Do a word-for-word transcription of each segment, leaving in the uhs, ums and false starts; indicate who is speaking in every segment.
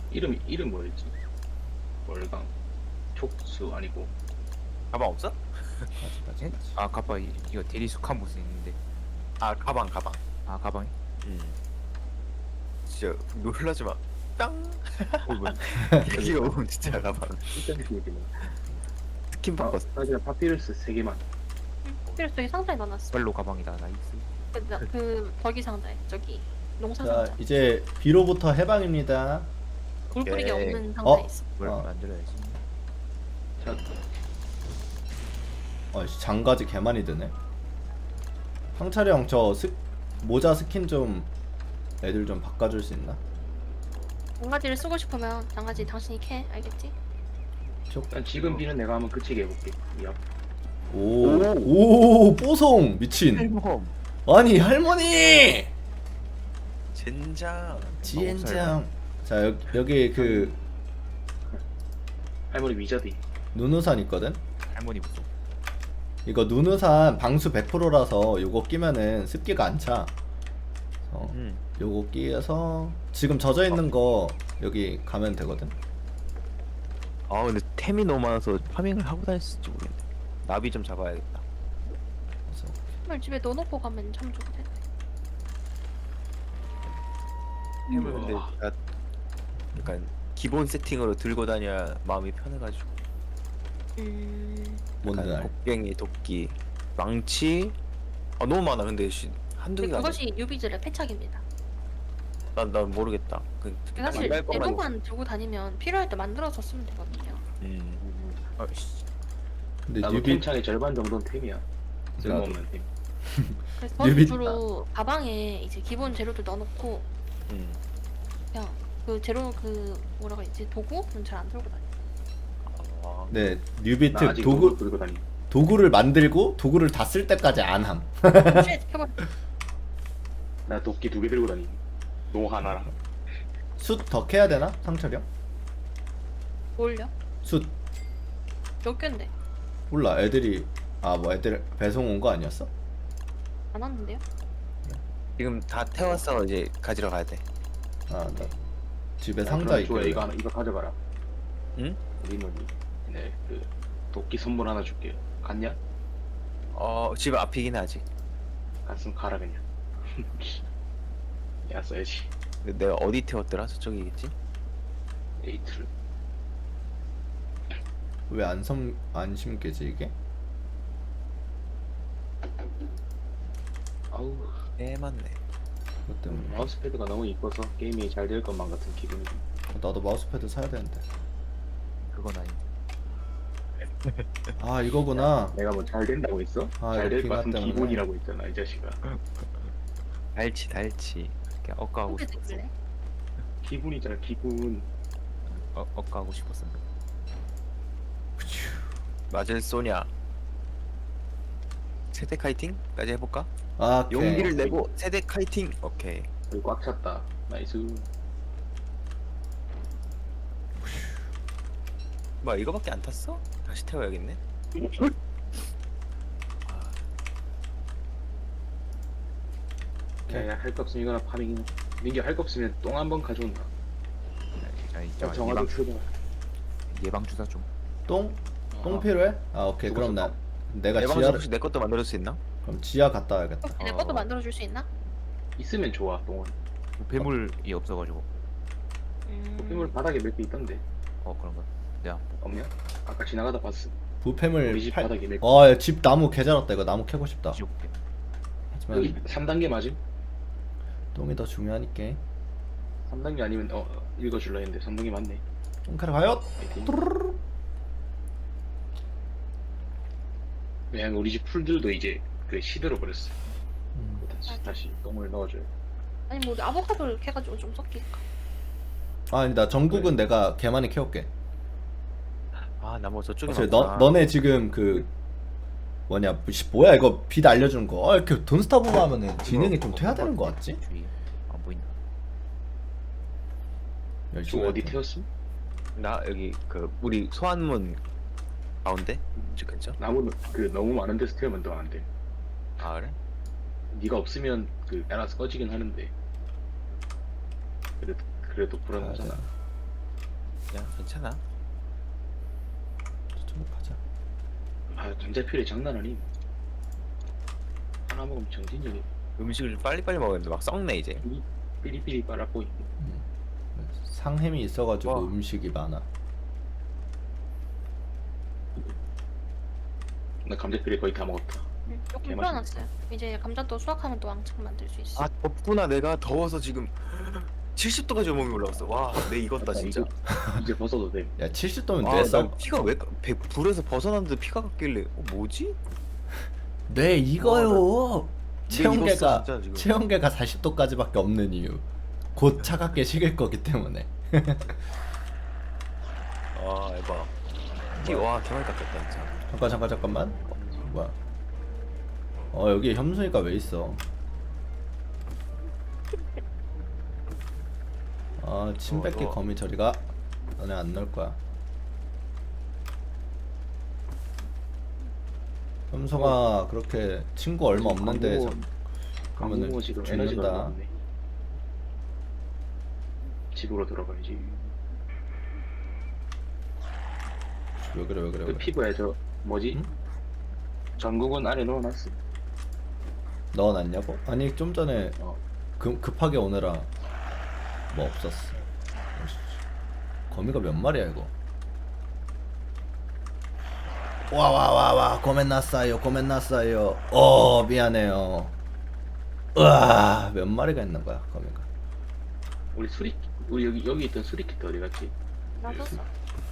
Speaker 1: 이름 이름 뭐였지? 월강 촉수 아니고
Speaker 2: 가방 없어?
Speaker 3: 가지 가지
Speaker 4: 예?
Speaker 3: 가지.
Speaker 4: 아 가빠 이- 이거 대리숙한 무슨 있는데.
Speaker 2: 아 가방 가방.
Speaker 4: 아 가방이?
Speaker 2: 음. 진짜 놀라지 마. 땅.
Speaker 4: 어 뭐야?
Speaker 2: 여기가 오면 진짜 가방.
Speaker 1: 진짜 느낌이네.
Speaker 2: 스킨
Speaker 1: 아,
Speaker 2: 바꿨어.
Speaker 1: 나 그냥 파피루스 세 개만.
Speaker 5: 필요서 저기 상자에 넣어놨어.
Speaker 4: 빨로 가방이다 나이스.
Speaker 5: 그, 나- 그 저기 상자에 저기 농사
Speaker 3: 자
Speaker 5: 상자.
Speaker 3: 이제 비로부터 해방입니다.
Speaker 5: 물 뿌리기
Speaker 2: 오케이.
Speaker 5: 없는 상자에
Speaker 3: 어?
Speaker 5: 있어.
Speaker 4: 뭘
Speaker 3: 어.
Speaker 4: 만들어야지.
Speaker 1: 자,
Speaker 3: 어이씨 장가지 개 많이 드네. 황철이 형 저 스, 모자 스킨 좀 애들 좀 바꿔줄 수 있나?
Speaker 5: 장가지를 쓰고 싶으면 장가지 당신이 캐 알겠지?
Speaker 1: 일단 지금 비는 내가 한번 그치게 해볼게. 야,
Speaker 3: 오오 뽀송 미친.
Speaker 2: 헬몬.
Speaker 3: 아니 할머니
Speaker 2: 젠장.
Speaker 3: 지엔장. 자 여기, 여기 그
Speaker 1: 할머니 위자드.
Speaker 3: 눈우산 있거든.
Speaker 4: 할머니 무슨?
Speaker 3: 이거 눈우산 방수 백 퍼센트라서 요거 끼면은 습기가 안 차. 어,
Speaker 2: 음.
Speaker 3: 요거 끼어서 지금 젖어 있는 거 여기 가면 되거든.
Speaker 2: 아 근데 템이 너무 많아서 파밍을 하고 다녔을지 모르겠네. 나비 좀 잡아야겠다.
Speaker 3: 그래서
Speaker 5: 을 집에 넣어놓고 가면 참 좋을 텐데.
Speaker 2: 템을 근데
Speaker 1: 우와.
Speaker 2: 나 약간 기본 세팅으로 들고 다녀야 마음이 편해가지고.
Speaker 5: 음.
Speaker 3: 뭔지
Speaker 2: 약간
Speaker 3: 알.
Speaker 2: 곡괭이, 도끼, 망치. 아 너무 많아. 근데 씨, 한두
Speaker 5: 근데
Speaker 2: 개가 아니야.
Speaker 5: 그것이 유비들의 패착입니다.
Speaker 2: 난, 난 모르겠다. 그,
Speaker 5: 사실
Speaker 2: 만날 것만
Speaker 5: 재료만 들고 다니면 필요할 때 만들어서 쓰면 되거든요.
Speaker 2: 음.
Speaker 4: 아씨.
Speaker 3: 근데
Speaker 1: 나도
Speaker 3: 뉴비
Speaker 1: 템창의 절반 정도는 템이야. 쓸모없는 템.
Speaker 5: 그래서 저는
Speaker 3: 유비-
Speaker 5: 주로 가방에 이제 기본 재료들 넣어놓고
Speaker 2: 음.
Speaker 5: 그냥 그 재료 그 뭐라고 해야지 도구는 잘 안 들고 다녀.
Speaker 2: 아,
Speaker 3: 네
Speaker 1: 나
Speaker 3: 뉴비트
Speaker 1: 아직
Speaker 3: 도구
Speaker 1: 도구 들고 다니.
Speaker 3: 도구를 만들고 도구를 다 쓸 때까지 안 함.
Speaker 5: 쉣 해버려.
Speaker 1: 나 도끼 두 개 들고 다니. 노 하나랑.
Speaker 3: 숯 더 캐야 되나? 상철이 형?
Speaker 5: 뭘요?
Speaker 3: 숯
Speaker 5: 몇 개인데?
Speaker 3: 몰라 애들이 아 뭐 애들 배송 온 거 아니었어?
Speaker 5: 안 왔는데요?
Speaker 2: 지금 다 태웠어. 이제 가지러 가야 돼.
Speaker 3: 아 나 집에
Speaker 1: 야,
Speaker 3: 상자
Speaker 1: 그럼 좋아.
Speaker 3: 있길래.
Speaker 1: 이거 하나 이거 가져가라.
Speaker 2: 응?
Speaker 1: 우리 누니. 네, 그 도끼 선물 하나 줄게. 갔냐?
Speaker 2: 어, 집 앞이긴 하지.
Speaker 1: 갔으면 가라 그냥. 야 써야지.
Speaker 2: 근데 내가 어디 태웠더라? 저쪽이겠지?
Speaker 1: 에이트를.
Speaker 3: 왜안 섬 안 심게지 이게?
Speaker 1: 아우
Speaker 2: 네, 맞네.
Speaker 3: 그것 때문에
Speaker 1: 마우스패드가 너무 이뻐서 게임이 잘 될 것만 같은 기분이.
Speaker 3: 나도 마우스패드 사야 되는데.
Speaker 4: 그건 아니.
Speaker 3: 아 이거구나.
Speaker 1: 내가 뭐 잘 된다고 했어?
Speaker 3: 아,
Speaker 1: 잘
Speaker 3: 이거
Speaker 1: 될 것
Speaker 3: 빙하
Speaker 1: 같은
Speaker 3: 때문에.
Speaker 1: 기분이라고 했잖아 이 자식아.
Speaker 2: 달치, 달치.
Speaker 4: 그냥 억까하고
Speaker 5: 후배
Speaker 4: 싶었어.
Speaker 5: 댓글래?
Speaker 1: 기분이잖아 기분.
Speaker 4: 어, 억까하고 싶었어.
Speaker 2: 맞을 쏘냐? 세대 카이팅까지 해볼까?
Speaker 3: 아 오케이.
Speaker 2: 용기를 내고 세대 카이팅. 오케이.
Speaker 1: 여기 꽉 찼다. 나이스.
Speaker 2: 뭐 이거밖에 안 탔어? 다시 태워야겠네. 아,
Speaker 1: 야야 할 거 없으면 이거나 파밍. 민규 할 거 없으면 똥 한 번 가져온다.
Speaker 4: 아
Speaker 1: 야,
Speaker 4: 있잖아
Speaker 1: 정화도
Speaker 4: 예방
Speaker 1: 출발.
Speaker 4: 예방 주사 좀.
Speaker 3: 똥? 똥
Speaker 1: 어.
Speaker 3: 필요해? 아 오케이 그럼 나 내가
Speaker 2: 예방주
Speaker 3: 지하를
Speaker 2: 혹시 내 것도 만들어줄 수 있나?
Speaker 3: 그럼 지하 갔다 와야겠다.
Speaker 5: 혹시 내
Speaker 4: 어.
Speaker 5: 것도 만들어줄 수 있나?
Speaker 1: 있으면 좋아 똥은.
Speaker 4: 폐물이 없어가지고.
Speaker 5: 음...
Speaker 1: 포켓몬 바닥에 몇 개 있던데.
Speaker 4: 어 그런가? 내가
Speaker 1: 없냐? 아까 지나가다 봤어.
Speaker 3: 부패물
Speaker 1: 우리 집
Speaker 3: 팔...
Speaker 1: 바닥에 몇 개.
Speaker 3: 어, 집 나무 개 자랐다. 이거 나무 캐고 싶다.
Speaker 4: 지워볼게.
Speaker 1: 여기
Speaker 3: 하지만
Speaker 1: 삼 단계 맞음?
Speaker 3: 똥이 더 중요하니까.
Speaker 1: 삼 단계 아니면 어 어, 읽어줄라 했는데 삼 단계 맞네.
Speaker 3: 똥 캐러 가요.
Speaker 1: 파이팅. 왜냐면 우리 집 풀들도 이제 그 시들어 버렸어.
Speaker 3: 음.
Speaker 1: 다시 다시 똥을 넣어줘요.
Speaker 5: 아니 뭐 우리 아보카도를 캐가지고 좀 섞일까?
Speaker 3: 아니 나 전국은 내가 개 많이 캐올게.
Speaker 2: 아, 나 뭐 저쪽에
Speaker 3: 어차피 너 너네 지금 그 뭐냐 씨, 뭐야 이거 빛 알려주는 거. 아, 이렇게 돈스타보고 하면은 진행이 좀 돼야 되는 거 같지?
Speaker 4: 주위 안 보인다.
Speaker 3: 열심히
Speaker 1: 저 어디
Speaker 3: 할 때.
Speaker 1: 태웠음?
Speaker 2: 나 여기 그 우리 소환문 가운데 저 근처?
Speaker 1: 나무는 그 너무 많은 데서 태우면 더 안 돼.
Speaker 2: 아 그래?
Speaker 1: 네가 없으면 그 알아서 꺼지긴 하는데 그래도 그래도 불안하잖아.
Speaker 2: 그냥 괜찮아.
Speaker 3: 저쪽 가자.
Speaker 1: 아 감자필이 장난 아님. 하나 먹으면 정신력이
Speaker 2: 음식을 빨리빨리 먹었는데 막 썩네 이제.
Speaker 1: 삐리- 삐리삐리 빨아 보이.
Speaker 3: 상햄이 있어가지고
Speaker 2: 와.
Speaker 3: 음식이 많아.
Speaker 1: 나 감자필이 거의 다 먹었다.
Speaker 5: 음, 조금
Speaker 1: 개맛있네.
Speaker 5: 풀어놨어요. 이제 감자도 수확하면 또 왕창 만들 수 있어.
Speaker 2: 아 덥구나. 내가 더워서 지금 칠십 도까지 몸이 올라왔어. 와, 내 익었다
Speaker 1: 아,
Speaker 2: 진짜.
Speaker 1: 이제, 이제 벗어도 돼.
Speaker 3: 야 칠십 도면
Speaker 2: 아,
Speaker 3: 뇌
Speaker 2: 나
Speaker 3: 썩.
Speaker 2: 피가 왜 배- 불에서 벗어났는데 피가 갔길래 어, 뭐지?
Speaker 3: 뇌 익어요.
Speaker 2: 뇌
Speaker 3: 체온계가
Speaker 2: 익었어, 진짜, 지금.
Speaker 3: 체온계가 사십 도까지밖에 없는 이유. 곧 차갑게 식을 거기 때문에.
Speaker 2: 아 에바. 피, 와 개많이 깎였다 진짜.
Speaker 3: 잠깐 잠깐 잠깐만. 어, 뭐야? 어 여기 현수이가 왜 있어? 아 침뱉기
Speaker 2: 어, 너-
Speaker 3: 거미 저리가. 너네 안 넣을 거야. 현수가 그렇게 친구 얼마 없는데 참- 그러면은
Speaker 1: 강국은 지금 에너지가
Speaker 3: 죽는다.
Speaker 1: 없네. 집으로 들어가야지.
Speaker 3: 왜 그래 왜 그래 왜
Speaker 1: 그
Speaker 3: 그래.
Speaker 1: 피부에 저 뭐지?
Speaker 3: 응?
Speaker 1: 전국은 안에 넣어놨어.
Speaker 3: 넣어놨냐고? 아니 좀 전에
Speaker 1: 어.
Speaker 3: 급, 급하게 오느라 뭐 없었어. 거미가 몇 마리야 이거? 와 와 와와 고멘나싸요 고멘나싸요. 어 미안해요. 으아 몇 마리가 있는 거야 거미가?
Speaker 1: 우리 수리 우리 여기 여기 있던 수리키트 어디 갔지?
Speaker 5: 놔뒀어.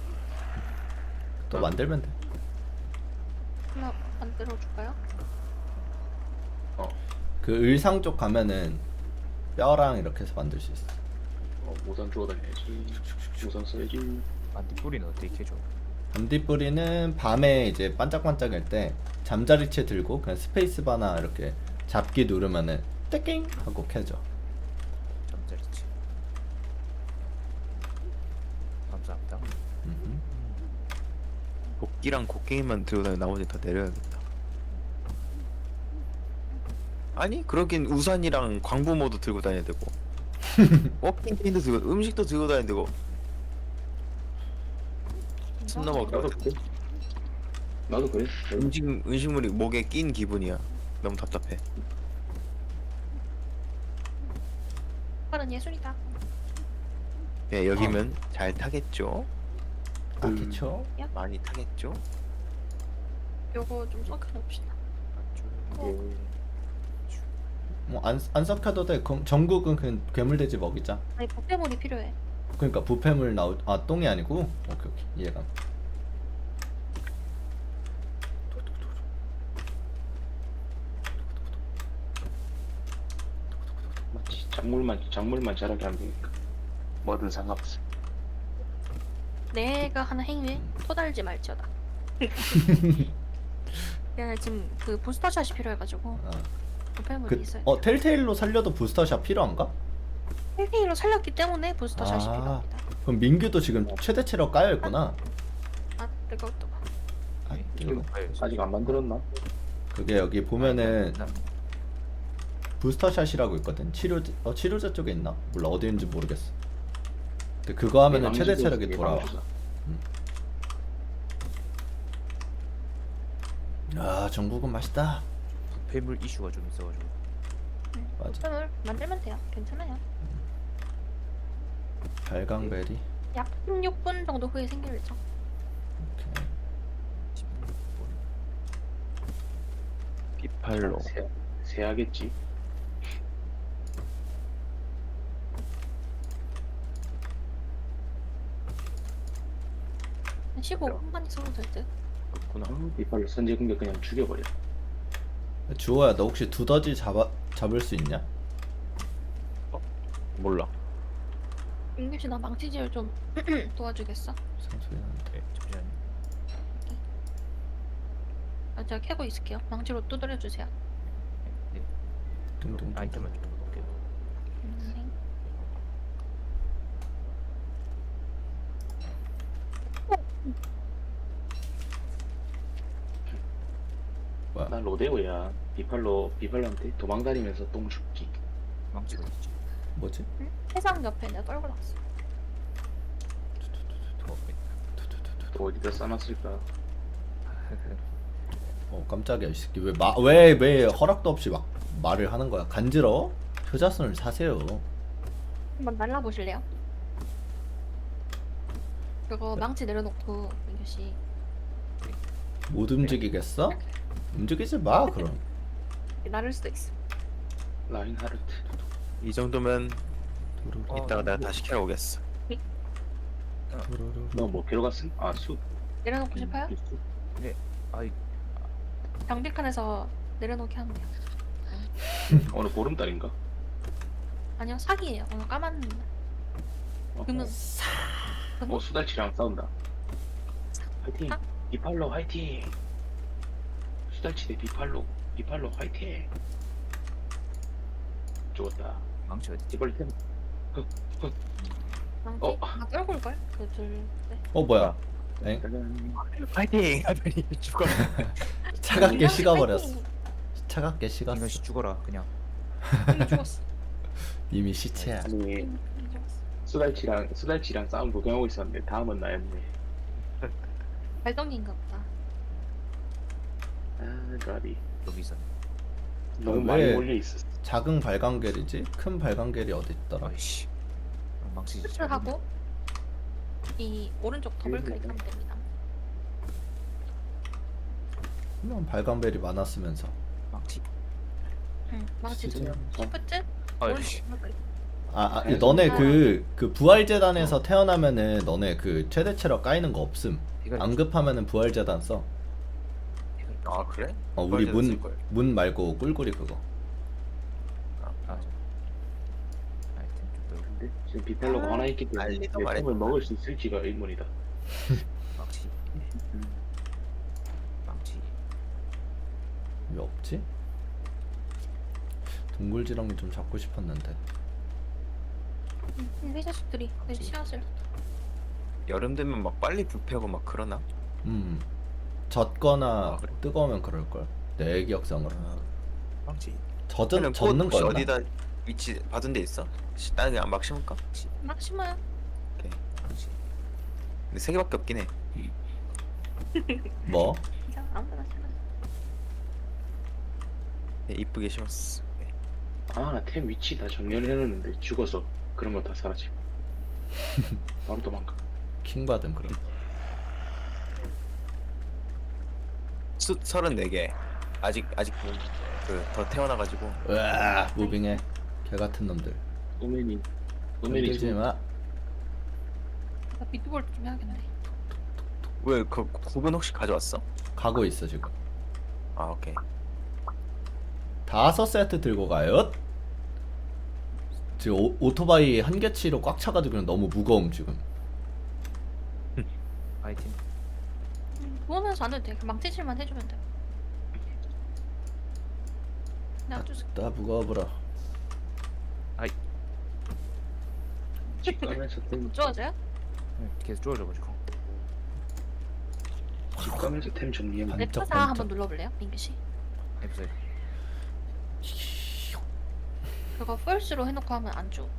Speaker 3: 또 만들면 돼.
Speaker 5: 하나 만들어 줄까요?
Speaker 1: 어,
Speaker 3: 그 의상 쪽 가면은 뼈랑 이렇게 해서 만들 수 있어.
Speaker 1: 어 우선 주워 다녀야지. 우선 써야지.
Speaker 4: 안디 뿌리는 어떻게 해줘?
Speaker 3: 반딧불이는 밤에 이제 반짝반짝할 때 잠자리채 들고 그냥 스페이스바나 이렇게 잡기 누르면은 떼깅 하고 켜져.
Speaker 4: 잠자리치. 감사합니다.
Speaker 3: 음흠.
Speaker 2: 도끼랑 곡괭이만 들고 다니 나머지 다 내려야겠다. 아니 그러긴 우산이랑 광부모도 들고 다녀야 되고 워킹캔도 들고 음식도 들고 다녀야 되고 숨 넘어갈 것
Speaker 1: 나도
Speaker 2: 같아.
Speaker 1: 그래. 나도 그래.
Speaker 2: 음식 음식물이 목에 낀 기분이야. 너무 답답해.
Speaker 5: 빠른 예술이다.
Speaker 2: 예 여기면 잘 타겠죠?
Speaker 3: 아 그쵸?
Speaker 2: 많이 타겠죠?
Speaker 5: 요거 좀 섞어놓읍시다.
Speaker 1: 예.
Speaker 3: 뭐안 안 섞여도 돼. 그, 전국은 그냥 괴물돼지 먹이자.
Speaker 5: 아니 복대물이 필요해.
Speaker 3: 그러니까 부패물 나오 아 똥이 아니고 오케이 오케이 이해가.
Speaker 1: 마치 작물만 작물만 자라게 하면 되니까. 뭐든 상관없어.
Speaker 5: 내가 하는 행위에 토달지 말지어다. 내가 지금 그 부스터샷이 필요해가지고
Speaker 3: 아,
Speaker 5: 부패물이
Speaker 3: 그,
Speaker 5: 있어요.
Speaker 3: 어 텔테일로 살려도 부스터샷 필요한가?
Speaker 5: 헬기로 살렸기 때문에 부스터샷이
Speaker 3: 아.
Speaker 5: 필요합니다.
Speaker 3: 그럼 민규도 지금 최대치로 까여 있구나.
Speaker 5: 아 뜨거웠다.
Speaker 3: 아,
Speaker 1: 이거
Speaker 3: 이거.
Speaker 1: 아직 안 만들었나?
Speaker 3: 그게 여기 보면은
Speaker 4: 나-
Speaker 3: 부스터샷이라고 있거든. 치료제 어 치료제 쪽에 있나? 몰라 어디 있는지 모르겠어. 근데 그거 하면은 최대 체력이 돌아와. 아 전국은 맛있다.
Speaker 4: 부패물 이슈가 좀 있어가지고.
Speaker 3: 맞아.
Speaker 5: 부패물 만들면 돼요. 괜찮아요.
Speaker 3: 발광베리.
Speaker 5: 약 십육 분 정도 후에 생길 예정.
Speaker 3: 오케이.
Speaker 2: 비팔로.
Speaker 1: 세, 세야겠지.
Speaker 5: 한 십오 분만 있어도 될 듯.
Speaker 2: 그렇구나.
Speaker 1: 이빨로 선제 공격 그냥 죽여버려.
Speaker 3: 주호야 너 혹시 두더지 잡아 잡을 수 있냐?
Speaker 2: 몰라.
Speaker 5: 민규 씨나 망치질 좀 도와주겠어?
Speaker 3: 상소리 나는데.
Speaker 4: 네, 잠시만요.
Speaker 5: 아, 제가 캐고 있을게요. 망치로 두드려 주세요.
Speaker 4: 네.
Speaker 3: 둥둥.
Speaker 4: 아이템을 좀 볼게요.
Speaker 5: 음,
Speaker 3: 뭐야?
Speaker 1: 난 로데오야. 비팔로 비팔로한테 도망다니면서 똥 죽기.
Speaker 4: 망치가 있지.
Speaker 3: 뭐지?
Speaker 5: 응? 해상 옆에 내가 떨궈 놨어.
Speaker 1: 또 어디다 싸놨을까?
Speaker 3: 어 깜짝이야 이 새끼 왜왜 왜 허락도 없이 막 말을 하는 거야 간지러워? 효자손을 사세요.
Speaker 5: 한번 날라보실래요? 그거 망치 내려놓고 민규 씨
Speaker 3: 못 움직이겠어? 움직이지 마 그럼.
Speaker 5: 나를 수도 있어.
Speaker 1: 라인하르트.
Speaker 2: 이 정도면
Speaker 4: 어,
Speaker 2: 이따가 내가 다시 캐러 오겠어.
Speaker 1: 너뭐 개로 갔음? 아 수.
Speaker 5: 내려놓고 싶어요?
Speaker 4: 아이
Speaker 5: 장비칸에서 내려놓게 하면 돼요.
Speaker 1: 오늘 보름달인가?
Speaker 5: 아니요 사기예요. 오늘 까만
Speaker 1: 어,
Speaker 5: 금은
Speaker 1: 어 수달치랑 싸운다. 화이팅.
Speaker 5: 아?
Speaker 1: 비팔로 화이팅. 수달치 대 비팔로. 비팔로 화이팅. 죽었다.
Speaker 4: 망치 어디?
Speaker 1: 이벌 템.
Speaker 5: 망치
Speaker 1: 어.
Speaker 5: 아 떨굴 걸? 그둘 네.
Speaker 3: 어 뭐야? 엥?
Speaker 1: 짜잔.
Speaker 2: 파이팅! 하더니 죽어.
Speaker 3: 차갑게
Speaker 5: 민규
Speaker 3: 식어버렸어.
Speaker 5: 파이팅!
Speaker 3: 차갑게 식었어.
Speaker 4: 이건 씨 죽어라 그냥.
Speaker 5: 이미 죽었어.
Speaker 3: 이미 시체야.
Speaker 1: 아니
Speaker 5: 이미 죽었어.
Speaker 1: 수달치랑 수달치랑 싸움 구경하고 있었는데 다음은 나였네.
Speaker 5: 발동기인가 보다.
Speaker 1: 아 라비.
Speaker 4: 여기 있었네.
Speaker 1: 너무
Speaker 3: 아,
Speaker 1: 많이
Speaker 3: 왜?
Speaker 1: 몰려 있었어.
Speaker 3: 작은 발광겔이지? 큰 발광겔이 어디 있더라?
Speaker 4: 아이씨. 망치 진짜.
Speaker 5: 스트하고 이 오른쪽 더블 클릭하면 됩니다.
Speaker 3: 그냥 발광벨이 많았으면서.
Speaker 4: 망치.
Speaker 5: 응. 망치
Speaker 3: 진짜?
Speaker 5: 두 시프트
Speaker 4: 아이씨.
Speaker 5: 오른쪽 더블 클릭.
Speaker 3: 아, 아
Speaker 1: 그래서-
Speaker 3: 너네 그, 그 부활재단에서 태어나면은 너네 그 최대 체력 까이는 거 없음.
Speaker 4: 이걸
Speaker 3: 안 급하면은 부활재단 써.
Speaker 2: 아 그래?
Speaker 3: 어 우리
Speaker 2: 부활재단
Speaker 3: 문
Speaker 2: 쓸걸.
Speaker 3: 문 말고 꿀꿀이 그거.
Speaker 4: 아 저. 아이템 좀 넣고.
Speaker 1: 근데 지금 비팔로가
Speaker 5: 아,
Speaker 1: 하나 있기 때문에
Speaker 2: 알리도
Speaker 1: 내
Speaker 2: 말했다.
Speaker 1: 템을 먹을 수 있을지가 의문이다.
Speaker 4: 망치. 망치.
Speaker 3: 왜 없지? 동굴지렁이 좀 잡고 싶었는데.
Speaker 5: 응, 이 자식들이 내 씨앗을
Speaker 2: 여름 되면 막 빨리 부패하고 막 그러나?
Speaker 3: 음 젖거나
Speaker 2: 아, 그래?
Speaker 3: 뜨거우면 그럴걸 내 기억상으로.
Speaker 4: 망치.
Speaker 3: 젖은
Speaker 2: 꽃
Speaker 3: 젖는
Speaker 2: 혹시
Speaker 3: 거였나?
Speaker 2: 어디다 위치 받은 데 있어? 시- 나는 그냥 막 심을까?
Speaker 5: 막 심어요.
Speaker 4: 망치.
Speaker 2: 근데 세 개밖에 없긴 해.
Speaker 3: 뭐?
Speaker 5: 그냥 아무거나 심어.
Speaker 2: 네, 이쁘게 심었어. 네.
Speaker 1: 아 나 템 위치 다 정렬해놨는데 죽어서 그런 거 다 사라지고 바로 도망가.
Speaker 3: 킹 받음 그럼.
Speaker 2: 수 서른네 개. 아직 아직 그 더 태어나가지고
Speaker 3: 으아 무빙해 개 같은 놈들.
Speaker 1: 오메니 오메니
Speaker 3: 건들지
Speaker 1: 지금
Speaker 3: 마.
Speaker 5: 나 비트볼 좀 해야겠네.
Speaker 2: 왜 그 구분 혹시 가져왔어?
Speaker 3: 가고 있어 지금.
Speaker 2: 아 오케이.
Speaker 3: 다섯 세트 들고 가요. 지금 오, 오토바이 한 개치로 꽉 차가지고 그냥 너무 무거움 지금.
Speaker 4: 아이템.
Speaker 5: 음, 보면서 안 해도 돼. 그 망치질만 해주면 돼. 내가 좀
Speaker 3: 나 무거워보라.
Speaker 1: 집 가면서 템
Speaker 5: 못 좋아져요?
Speaker 4: 네, 계속 쪼여져가지고.
Speaker 1: 집 가면서 템 정리하면 돼.
Speaker 3: 반짝,
Speaker 5: 랩타사
Speaker 3: 반짝.
Speaker 5: 한번 눌러볼래요, 민규 씨?
Speaker 4: 에피소드.
Speaker 5: 그거 펄스로 해놓고 하면 안 줘.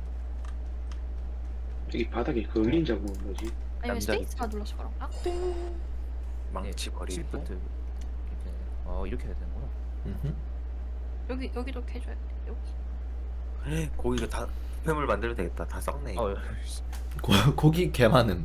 Speaker 1: 여기 바닥에 그 을린 자국은 뭐지?
Speaker 5: 아니면
Speaker 2: 남자기.
Speaker 5: 스페이스가 눌러서 그런가?
Speaker 2: 망치 버리고.
Speaker 4: 시프트. 이렇게. 어 이렇게 해야 되는구나.
Speaker 3: 음흠.
Speaker 5: 여기 여기도 이렇게 해줘야 돼. 여기.
Speaker 2: 고기가 다 뱀을 만들어도 되겠다. 다 썩네. 이거.
Speaker 4: 어.
Speaker 3: 고, 고기 개 많음.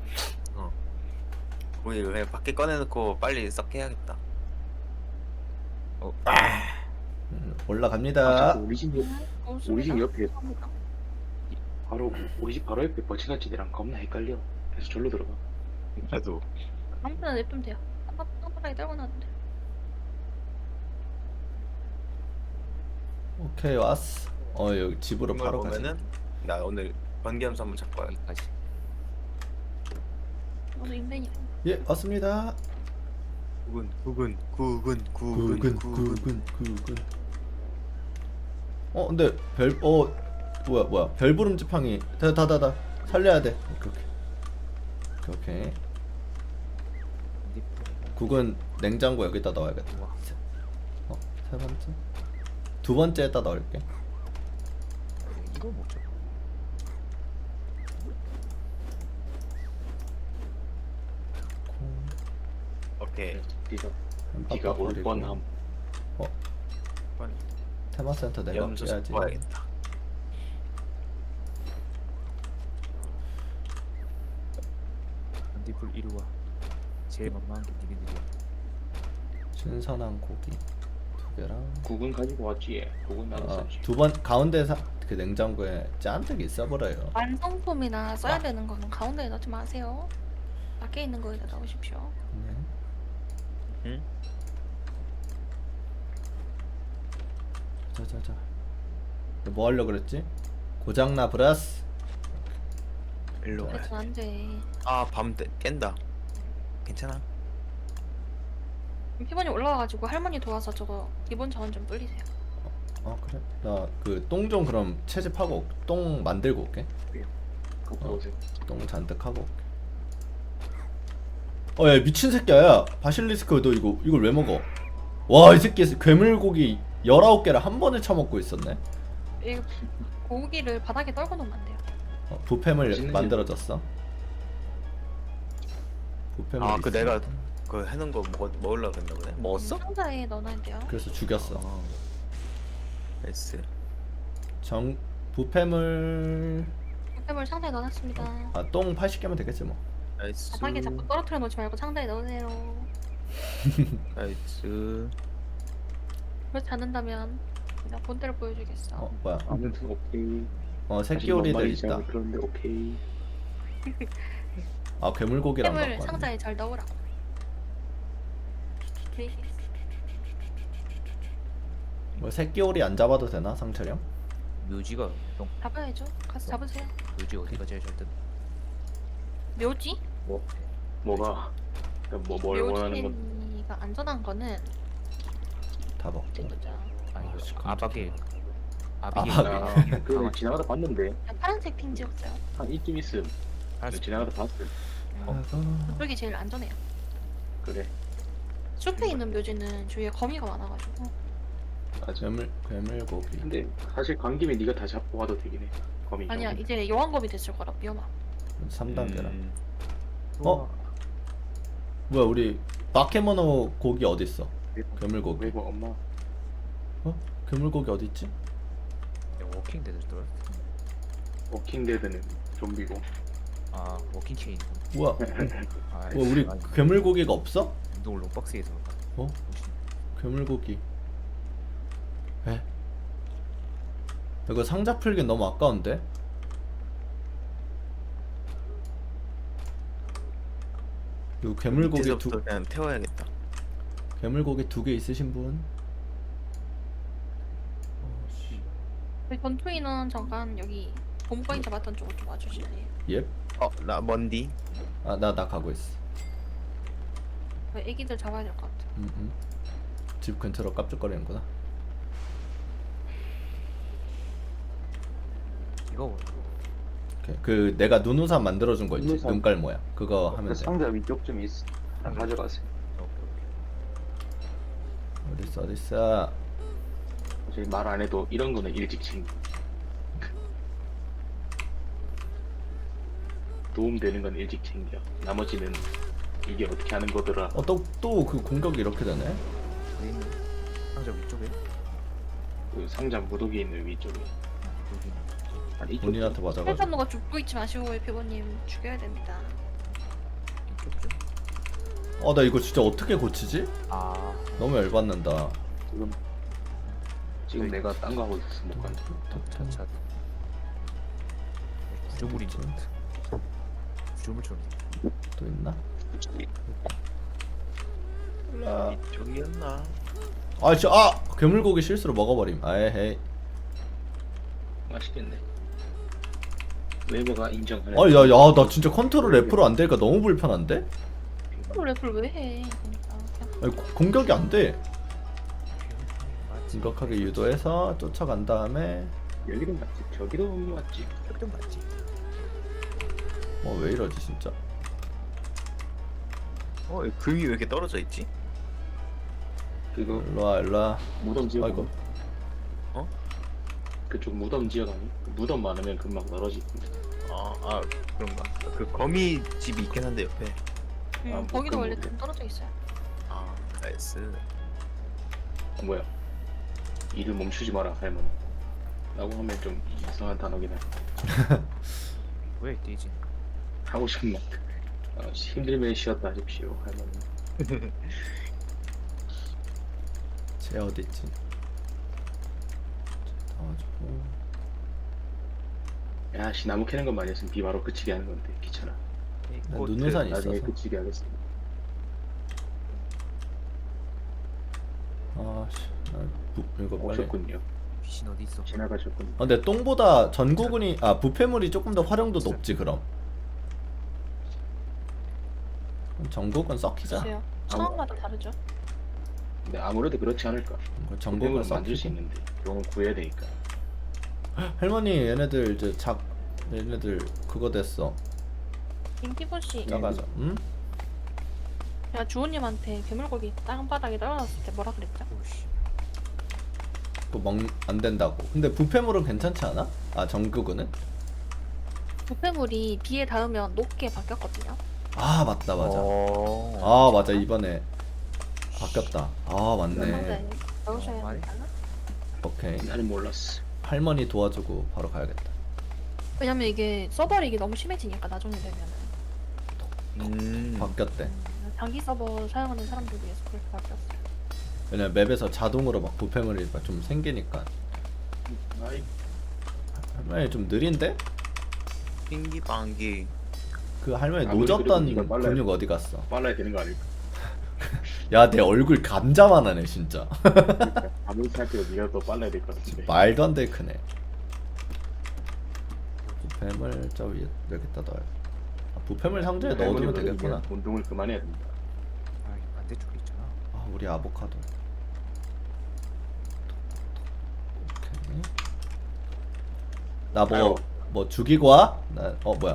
Speaker 2: 고기 그냥 밖에 꺼내놓고 빨리 썩게 해야겠다.
Speaker 3: 음,
Speaker 1: 아
Speaker 3: 올라갑니다.
Speaker 1: 자꾸 우리 집 옆,
Speaker 5: 어,
Speaker 1: 우리 집
Speaker 5: 습니다.
Speaker 1: 옆에
Speaker 5: 감사합니다.
Speaker 1: 바로 우리 집 바로 옆에 버치가치대랑 겁나 헷갈려. 그래서 절로 들어가.
Speaker 2: 나도.
Speaker 5: 아무거나 냅두면 돼요. 깜빡깜빡하게 떨고 놨는데.
Speaker 3: 오케이 왔어. 어 여기 집으로
Speaker 2: 이걸
Speaker 3: 바로 가자.
Speaker 2: 보면은 나 오늘 번개함수 한번 잡고 와야
Speaker 4: 여기까지.
Speaker 5: 너도 인벤이
Speaker 3: 예 왔습니다.
Speaker 2: 구근 구근 구근
Speaker 3: 구근
Speaker 2: 구근
Speaker 3: 구근 구근. 어 근데 별 어 뭐야 뭐야 별부름 지팡이 다다다다 살려야 돼. 오케이 오케이. 오케이. 구근 냉장고 여기다 넣어야겠다.
Speaker 4: 우와.
Speaker 3: 어, 세 번째. 두 번째에다 넣을게.
Speaker 4: 이거 뭐죠?
Speaker 2: 오케이.
Speaker 1: 네가
Speaker 3: 한
Speaker 1: 네가
Speaker 3: 빡빡
Speaker 1: 올
Speaker 3: 거리고.
Speaker 1: 뻔함.
Speaker 3: 테마센터 내가
Speaker 2: 염소
Speaker 3: 깨야지.
Speaker 2: 봐야겠다.
Speaker 4: 반딧불 이리 와. 제일 만만한 게 니네들이야.
Speaker 3: 신선한 고기 두 개랑
Speaker 1: 국은 가지고 왔지. 국은 나도
Speaker 3: 아,
Speaker 1: 샀지.
Speaker 3: 두 번 가운데 사, 그 냉장고에 잔뜩 있어버려요.
Speaker 5: 완성품이나 써야
Speaker 3: 아.
Speaker 5: 되는 거는 가운데에 넣지 마세요. 밖에 있는 거에다 넣으십시오.
Speaker 3: 네.
Speaker 2: 응?
Speaker 3: 자자자. 뭐 하려 그랬지? 고장나 브라스.
Speaker 2: 일로.
Speaker 5: 그래서 안 돼.
Speaker 2: 아밤 깬다. 괜찮아.
Speaker 5: 피부님 올라와가지고 할머니 도와서 저거 기본 자원 좀 불리세요.
Speaker 3: 아 그래? 나 그 똥 좀 그럼 채집하고 올- 똥 만들고 올게.
Speaker 1: 갖고
Speaker 3: 어.
Speaker 1: 오세요.
Speaker 3: 똥 잔뜩 하고 올게. 어, 야 미친 새끼야. 야, 바실리스크 너 이거 이걸 왜 먹어? 와, 이 새끼 괴물고기 열아홉 개를 한 번에 처먹고 있었네.
Speaker 5: 이 고기를 바닥에 떨궈 놓으면 안 돼요.
Speaker 3: 어, 부패물
Speaker 1: 맛있는
Speaker 3: 만들어졌어. 부패물.
Speaker 2: 아 그
Speaker 3: 있어.
Speaker 2: 내가 그 해놓은 거 먹 먹으려고 했나 보네. 먹었어?
Speaker 5: 상자에 넣어놔야 돼요.
Speaker 3: 그래서 죽였어.
Speaker 2: 아. S.
Speaker 3: 정 부패물.
Speaker 5: 물 상자에 넣어놨습니다.
Speaker 3: 아, 똥 팔십 개면 되겠지 뭐.
Speaker 2: 나이스.
Speaker 5: 바닥에 자꾸 떨어뜨려 놓지 말고 상자에 넣으세요.
Speaker 2: 나이스.
Speaker 5: 그렇지 않는다면 그냥 본때를 보여주겠어.
Speaker 3: 어, 뭐야?
Speaker 1: 아무튼 오케이.
Speaker 3: 어, 새끼
Speaker 1: 사실 뭔
Speaker 3: 오리들
Speaker 1: 말인지
Speaker 3: 있다.
Speaker 1: 잘 그런데 오케이.
Speaker 3: 아, 괴물고기랑
Speaker 5: 물
Speaker 3: 갖고 왔네.
Speaker 5: 상자에 잘 넣으라고. 네.
Speaker 3: 뭐 새끼 오리 안 잡아도 되나, 상철형?
Speaker 4: 묘지가 형
Speaker 5: 잡아야죠. 가서 잡으세요.
Speaker 4: 묘지 어디가 제일 잘 뜬?
Speaker 5: 묘지?
Speaker 1: 뭐가 뭐 뭘 원하는 건
Speaker 5: 묘지가 안전한 거는
Speaker 3: 다 먹고.
Speaker 5: 보자.
Speaker 4: 아 이거
Speaker 3: 씨,
Speaker 4: 아박에
Speaker 3: 아박에.
Speaker 4: 아박에
Speaker 1: 나 그 지나가다 봤는데
Speaker 5: 그냥 파란색 핑 찍었어요.
Speaker 1: 한 이쯤 있음.
Speaker 4: 알았어.
Speaker 1: 지나가다 봤어.
Speaker 3: 아이고.
Speaker 5: 그쪽이 제일 안전해요.
Speaker 1: 그래.
Speaker 5: 숲에 있는 묘지는 주위에 거미가 많아가지고
Speaker 1: 맞아.
Speaker 3: 괴물 괴물고기.
Speaker 1: 근데 사실 간 김에 네가 다 잡고 와도 되긴 해. 거미.
Speaker 5: 아니야
Speaker 1: 잡으면.
Speaker 5: 이제 여왕검이 됐을 거라 위험함.
Speaker 3: 삼 단계라.
Speaker 2: 음,
Speaker 3: 어? 뭐야, 우리 마케모노 고기 어디 있어? 괴물고기.
Speaker 1: 외국 엄마.
Speaker 3: 어? 괴물고기 어디 있지?
Speaker 4: 워킹 데드 또
Speaker 1: 워킹데드는 좀비고.
Speaker 4: 아 워킹 체인.
Speaker 3: 뭐야?
Speaker 4: 아
Speaker 3: 뭐 우리
Speaker 4: 아니,
Speaker 3: 괴물고기가 없어?
Speaker 4: 운동을 롱박스에서
Speaker 3: 어? 괴물고기. 에? 이거 상자 풀기 너무 아까운데? 이거 괴물고기 두
Speaker 2: 밑에서부터 그냥 태워야겠다.
Speaker 3: 괴물고기 두 개 있으신 분?
Speaker 5: 저희 전투인은 잠깐 여기 본부인 잡았던 쪽으로 좀 와주실래요?
Speaker 3: 예?
Speaker 2: 어나 먼디.
Speaker 3: 아, 나 나 가고 있어.
Speaker 5: 저희 애기들 잡아야 될 것 같아.
Speaker 3: 음, 음. 집 근처로 깝죽거리는구나.
Speaker 4: 이거
Speaker 3: 오케이. 그 내가 눈우산 만들어준 거 있지?
Speaker 1: 눈우산.
Speaker 3: 눈깔 모양. 그거 하면
Speaker 1: 그
Speaker 3: 돼.
Speaker 1: 상자 위쪽 좀 있어. 다 가져가세요.
Speaker 3: 어딨어 어딨어.
Speaker 1: 저희 말 안 해도 이런 거는 일찍 챙겨. 도움되는 건 일찍 챙겨. 나머지는 이게 어떻게 하는 거더라.
Speaker 3: 어, 또 또 그 공격이 이렇게 되네?
Speaker 4: 어디 있는 상자 위쪽에
Speaker 1: 그 상자 무더기 있는 위쪽에.
Speaker 4: 여기
Speaker 1: 한 이쪽.
Speaker 3: 본인한테 맞아가지고.
Speaker 5: 헬산노가 죽고 있지 마시고 피부님 죽여야 됩니다.
Speaker 4: 이쪽 좀.
Speaker 3: 어, 나 이거 진짜 어떻게 고치지?
Speaker 4: 아
Speaker 3: 너무 열받는다.
Speaker 1: 지금 지금 내가 딴 거 하고 있었어 못 간다.
Speaker 4: 차차. 구조물인 것 같아. 구조물처럼.
Speaker 3: 또 있나?
Speaker 2: 이쪽이었나?
Speaker 3: 아, 진짜 아! 괴물고기 실수로 먹어버림. 아에헤이.
Speaker 1: 맛있겠네. 웨버가 인정하네.
Speaker 3: 아, 야, 야, 나 진짜 컨트롤 F로 안 되니까 너무 불편한데?
Speaker 5: 또 랩을 왜 해? 그러니까 그냥
Speaker 3: 아니, 고- 공격이 안 돼.
Speaker 4: 맞지.
Speaker 3: 심각하게 유도해서 쫓아간 다음에
Speaker 1: 여기도 맞지. 저기도 맞지.
Speaker 4: 좀 맞지.
Speaker 3: 어, 왜 이러지 진짜?
Speaker 2: 어 금이 왜 이렇게 떨어져 있지?
Speaker 1: 그거
Speaker 3: 일로와 일로와.
Speaker 1: 무덤 지역.
Speaker 3: 아이고.
Speaker 2: 어?
Speaker 1: 그쪽 무덤 지역 아니? 무덤 많으면 금방 떨어지고.
Speaker 2: 아, 아 그런가? 그 거미 집이 있긴 한데 옆에.
Speaker 5: 음,
Speaker 1: 아, 뭐
Speaker 5: 거기도
Speaker 1: 그런
Speaker 5: 원래
Speaker 1: 거구나.
Speaker 5: 금 떨어져 있어요.
Speaker 2: 나이스.
Speaker 1: 어, 뭐야? 일을 멈추지 마라 할머니. 라고 하면 좀 이상한 단어긴 해.
Speaker 4: 왜 뛰지?
Speaker 1: 하고 싶은 말. 어, 힘들면 쉬었다 하십시오 할머니.
Speaker 3: 쟤 어딨지? 나와주고.
Speaker 1: 야씨 나무 캐는 것만 했으면 비 바로 그치게 하는 건데 귀찮아.
Speaker 3: 난
Speaker 4: 꽃
Speaker 3: 눈우산이
Speaker 1: 나중에
Speaker 3: 있어서.
Speaker 1: 그치게 하겠습니다.
Speaker 3: 아씨, 나 부, 이거 빨리.
Speaker 1: 오셨군요.
Speaker 4: 귀신 어디 있어?
Speaker 1: 지나가셨군요.
Speaker 3: 아, 근데 똥보다 전구근이 아 부패물이 조금 더 활용도 높지 그럼. 그럼 전구근 썩히자.
Speaker 5: 글쎄요. 상황마다 다르죠.
Speaker 1: 근데 아무래도 그렇지 않을까.
Speaker 3: 전구근
Speaker 1: 전공을 만들 수
Speaker 3: 썩히고.
Speaker 1: 있는데 용을 구해야 되니까.
Speaker 3: 할머니 얘네들 이제 작 얘네들 그거 됐어.
Speaker 5: 김기본 씨,
Speaker 3: 나가자. 응?
Speaker 5: 제가 주호님한테 괴물고기 땅바닥에 떨어졌을 때 뭐라 그랬죠?
Speaker 4: 오씨.
Speaker 3: 그거 먹 안 된다고. 근데 부패물은 괜찮지 않아? 아 전구근은?
Speaker 5: 부패물이 비에 닿으면 녹게 바뀌었거든요.
Speaker 3: 아 맞다 맞아.
Speaker 2: 어.
Speaker 3: 아 맞아 이번에 바뀌었다. 아 맞네.
Speaker 5: 근데 넣으셔야
Speaker 4: 어, 말이?
Speaker 5: 되나?
Speaker 3: 오케이.
Speaker 1: 나는 몰랐어.
Speaker 3: 할머니 도와주고 바로 가야겠다.
Speaker 5: 왜냐면 이게 서버릭이 너무 심해지니까 나중에 되면은
Speaker 2: 음.
Speaker 3: 바뀌었대.
Speaker 5: 음, 장기 서버 사용하는 사람들 위해서 그렇게 바뀌었어요.
Speaker 3: 왜냐면 맵에서 자동으로 막 부패물이 막좀 생기니까.
Speaker 1: 아이
Speaker 3: 할머니 좀 느린데?
Speaker 2: 빙기방기.
Speaker 3: 그 할머니
Speaker 1: 아무리
Speaker 3: 노졌던
Speaker 1: 그래도 이걸 빨라야
Speaker 3: 근육 어디 갔어?
Speaker 1: 빨라야 되는 거 아닐까?
Speaker 3: 야 내 얼굴 감자만 하네 진짜.
Speaker 1: 그러니까 아무리 생각해도 네가 더 빨라야 될 것 같은데.
Speaker 3: 말도 안 되게 크네. 부패물 저 위에 여기다 넣어요. 아, 부패물 상자에 넣어두면 되겠구나.
Speaker 1: 운동을 그만해야 된다.
Speaker 4: 아, 이 반대쪽에 있잖아.
Speaker 3: 아 우리 아보카도. 오케이. 나 뭐
Speaker 1: 아유.
Speaker 3: 뭐 죽이고 와? 나 어 뭐야?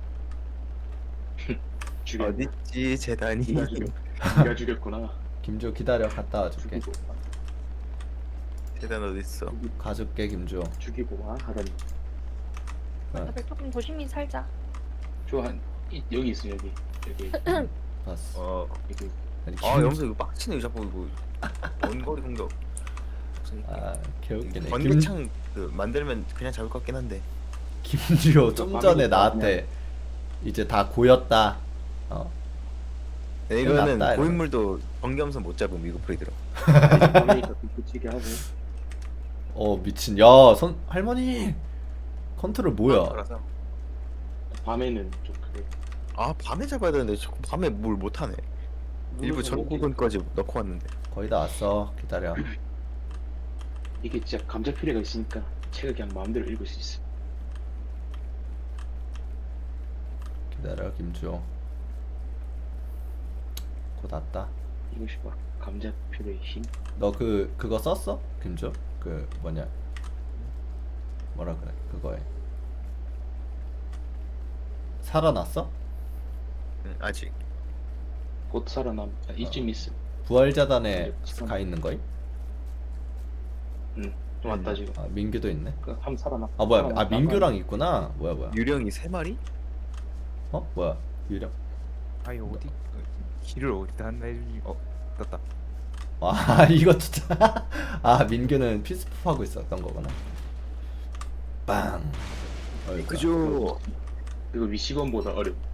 Speaker 1: 죽여.
Speaker 2: 어딨지 재단이.
Speaker 1: 네가 죽여. 네가 죽였구나.
Speaker 3: 김주 기다려 갔다 와줄게.
Speaker 1: 죽이고 와.
Speaker 2: 재단 어딨어?
Speaker 3: 가줄게 김주.
Speaker 1: 죽이고 와 하더니
Speaker 3: 아,
Speaker 5: 다들 조금 조심히 살자.
Speaker 1: 저한 여기 있어 여기 여기
Speaker 3: 봤어.
Speaker 2: 어.
Speaker 1: 여기
Speaker 3: 아니,
Speaker 2: 아
Speaker 3: 김-
Speaker 2: 염소 이거 빡치네 자꾸 이거. 원거리 공격.
Speaker 3: 아 개웃기네. 김,
Speaker 2: 번개창 그 만들면 그냥 잡을 것 같긴 한데.
Speaker 3: 김주호 좀 전에 나한테 이제 다 고였다. 어?
Speaker 2: 네, 이거는
Speaker 3: 낫다, 이러면.
Speaker 2: 고인물도 번개함선 못 잡으면 이거 프리들어.
Speaker 1: 밤에 있다 그치게 하고
Speaker 3: 어 미친. 야 선 할머니 컨트롤 뭐야?
Speaker 2: 알아서.
Speaker 1: 밤에는 좀 그래.
Speaker 2: 아 밤에 잡아야 되는데 자꾸 밤에 뭘 못하네. 일부 전구근까지 넣고 왔는데.
Speaker 3: 거의 다 왔어. 기다려.
Speaker 1: 이게 진짜 감자 필요가 있으니까 책을 그냥 마음대로 읽을 수 있어.
Speaker 3: 기다려 김주호. 곧 왔다.
Speaker 1: 이것이 봐 감자 필요의 힘.
Speaker 3: 너 그 그거 썼어? 김주? 그 뭐냐? 뭐라 그래? 그거에 살아났어?
Speaker 2: 응, 아직.
Speaker 1: 곧 살아남. 아, 이쯤 있어.
Speaker 3: 부활자단에
Speaker 1: 네,
Speaker 3: 가 있는 거임?
Speaker 1: 응. 좀 왔다 지금.
Speaker 3: 아 민규도 있네.
Speaker 1: 그함 살아남.
Speaker 3: 아 뭐야?
Speaker 1: 살아남.
Speaker 3: 아 민규랑 있구나. 뭐야 뭐야?
Speaker 2: 유령이 세 마리?
Speaker 3: 어 뭐야? 유령.
Speaker 4: 아이 어디? 길을 어디다 한다 해주니? 어, 떴다.
Speaker 3: 아 이거 진짜. 아 민규는 피스프 하고 있었던 거구나. 빵. 어이구야.
Speaker 2: 그죠.
Speaker 1: 이거 위시건보다 어렵.